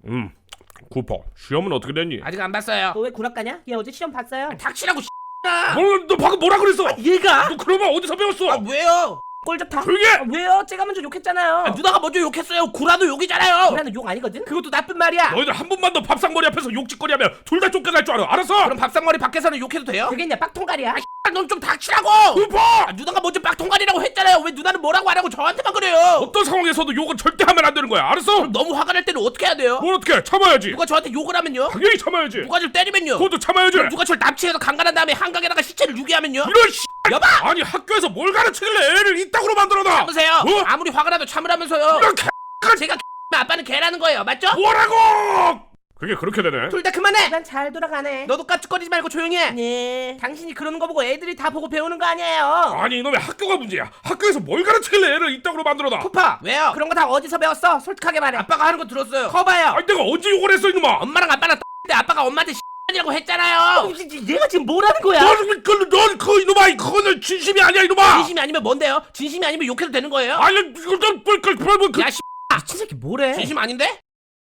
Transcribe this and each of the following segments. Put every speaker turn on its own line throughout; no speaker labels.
쿠퍼, 시험은 어떻게 됐니?
아직 안 봤어요.
너 왜 구락가냐? 얘 어제 시험 봤어요.
닥치라고
너 방금 뭐라 그랬어?
얘가?
너 그런 말 어디서 배웠어?
왜요?
꼴 좋다.
조용히 해!
왜요? 제가 먼저 욕했잖아요.
누나가 먼저 욕했어요. 구라도 욕이잖아요.
구라는 욕 아니거든? 그것도 나쁜 말이야.
너희들 한 번만 더 밥상머리 앞에서 욕짓거리하면 둘 다 쫓겨날 줄 알아. 알았어?
그럼 밥상머리 밖에서는 욕해도 돼요?
되겠냐? 빡통갈이야.
넌 좀 닥치라고.
쿠퍼!
누나가 먼저 빡통갈이라고 했잖아요. 왜 누나는 뭐라고 하라고 저한테만 그래요?
어떤 상황에서도 욕은 절대 하면 안 되는 거야. 알았어?
그럼 너무 화가 날 때는 어떻게 해야 돼요?
뭘 어떻게 해? 참아야지.
누가 저한테 욕을 하면요?
당연히 참아야지.
누가 저를 때리면요?
그것도 참아야지.
누가 저를 납치해서 강간한 다음에 한강에다가 시체를 유기하면요?
이런 씨.
여봐!
아니 학교에서 뭘 가르치길래 애를 이따구로 만들어놔?
참으세요.
어?
아무리 화가 나도 참으라면서요.
이런 개.
제가 아빠는 개라는 거예요. 맞죠?
뭐라고? 그게 그렇게 되네.
둘 다 그만해.
난 잘 돌아가네.
너도 깝죽거리지 말고 조용히 해.
네.
당신이 그러는 거 보고 애들이 다 보고 배우는 거 아니에요.
아니 이놈의 학교가 문제야. 학교에서 뭘 가르치길래 애를 이따구로 만들어놔?
쿠파 왜요? 그런 거 다 어디서 배웠어? 솔직하게 말해. 아빠가 하는 거 들었어요. 커봐요.
아니 내가 언제 욕을 했어 이놈아?
엄마랑 아빠랑 때 아빠가 엄마한테 이라고 했잖아요.
얘가 지금 뭐라는 거야?
넌그 이놈아 그거는 진심이 아니야 이놈아.
진심이 아니면 뭔데요? 진심이 아니면 욕해도 되는 거예요?
아니 이거
야
미친 새끼 뭐래?
진심 아닌데?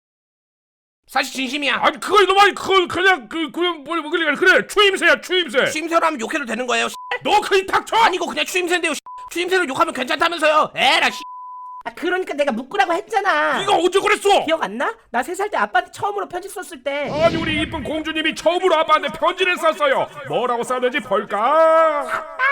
사실 진심이야.
아니 그거 이놈아 그건 그냥 그냥 그래 추임새야 추임새.
추임새로 하면 욕해도 되는 거예요.
너 그이 닥쳐.
아니고 그냥 추임새인데요. 추임새로 욕하면 괜찮다면서요. 에라
아 그러니까 내가 묶으라고 했잖아.
네가 언제 그랬어?
기억 안 나? 나 3살 때 아빠한테 처음으로 편지 썼을 때.
아니 우리 이쁜 공주님이 처음으로 아빠한테 편지를 썼어요. 뭐라고 썼는지 볼까?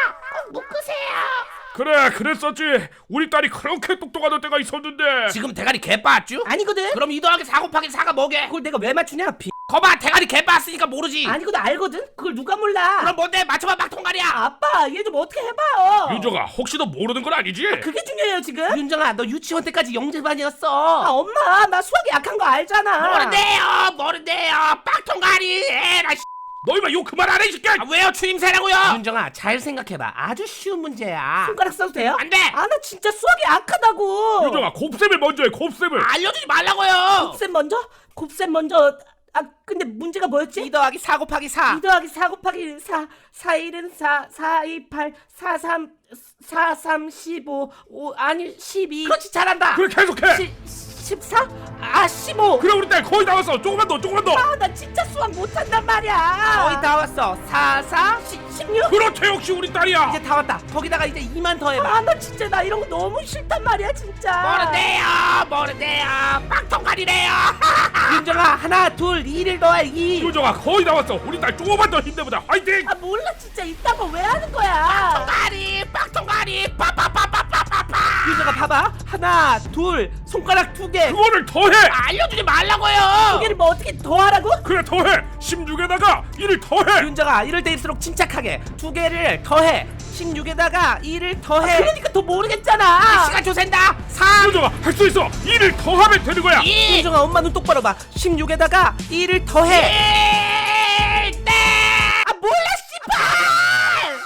묶으세요.
그래 그랬었지. 우리 딸이 그렇게 똑똑하던 때가 있었는데.
지금 대가리 개 빠았쥬?
아니거든.
그럼 2 더하기 4 곱하기 4가 뭐게?
그걸 내가 왜 맞추냐?
거봐 대가리 개 빠았으니까 모르지.
아니거든. 알거든. 그걸 누가 몰라?
그럼 뭔데? 맞춰봐 막통가리야.
아빠 얘 좀 어떻게 해봐요.
윤정아 혹시 너 모르는 건 아니지?
그게 중요해요 지금.
윤정아 너 유치원 때까지 영재반이었어.
아 엄마 나 수학이 약한 거 알잖아.
모른대요 빡통가리 에라
너희만 욕 그만 안 해 이 새끼야.
왜요 추임새라고요? 윤정아 잘 생각해봐. 아주 쉬운 문제야.
손가락 써도 돼요?
안돼.
아 나 진짜 수학이 약하다고.
윤정아 곱셈을 먼저 해 곱셈을.
알려주지 말라고요.
곱셈 먼저? 곱셈 먼저. 아 근데 문제가 뭐였지?
2 더하기 4 곱하기 4.
2 더하기 4 곱하기 4 4일은 4 4 2 8 4 3 4 3 15 5 아니 12
그렇지 잘한다.
그래 계속해.
14? 아 15.
그래 우리 딸 거의 다 왔어. 조금만 더 조금만 더.
아 나 진짜 수학 못한단 말이야.
거의 다 왔어. 4 4
16?
그렇지 역시 우리 딸이야.
이제 다 왔다. 거기다가 이제 2만 더 해봐.
아 나 진짜 나 이런 거 너무 싫단 말이야 진짜.
모른대요 빡통가리래요. 윤정아 하나 둘 2를 더해 2.
윤정아 거의 다 왔어. 우리 딸 조금만 더 힘내보자. 화이팅.
아 몰라 진짜 이딴 거 왜 하는 거야.
빡통가리 빠빠빠빠빠빠빠.
유정아 봐봐 하나 둘 손가락 2개
그거를 더해.
알려주지
두
말라고요.
개를 뭐 어떻게 더 하라고?
그래 더해. 16에다가 1을 더해.
윤정아 이럴 때일수록 침착하게 2개를 더해. 16에다가 2를 더해.
그러니까 더 모르겠잖아.
시간 조센다. 3
윤정아 할 수 있어. 1을 더하면 되는 거야.
2
유정아 엄마 눈 똑바로 봐. 16에다가 2를 더해.
1 땡.
아 몰라 씨발.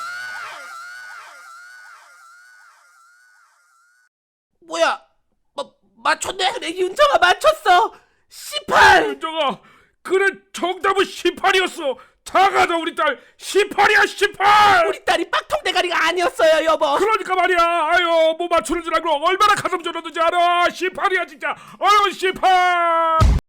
뭐야 맞췄네?
그래 윤정아 맞췄어. 18.
윤정아 그래 정답은 18이었어. 작아져 우리 딸 18이야 18.
우리 딸이 빡통대가리가 아니었어요 여보.
그러니까 말이야. 아유 뭐 맞추는 줄 알고 얼마나 가슴 졸였는지 알아. 18이야 진짜. 아유 18.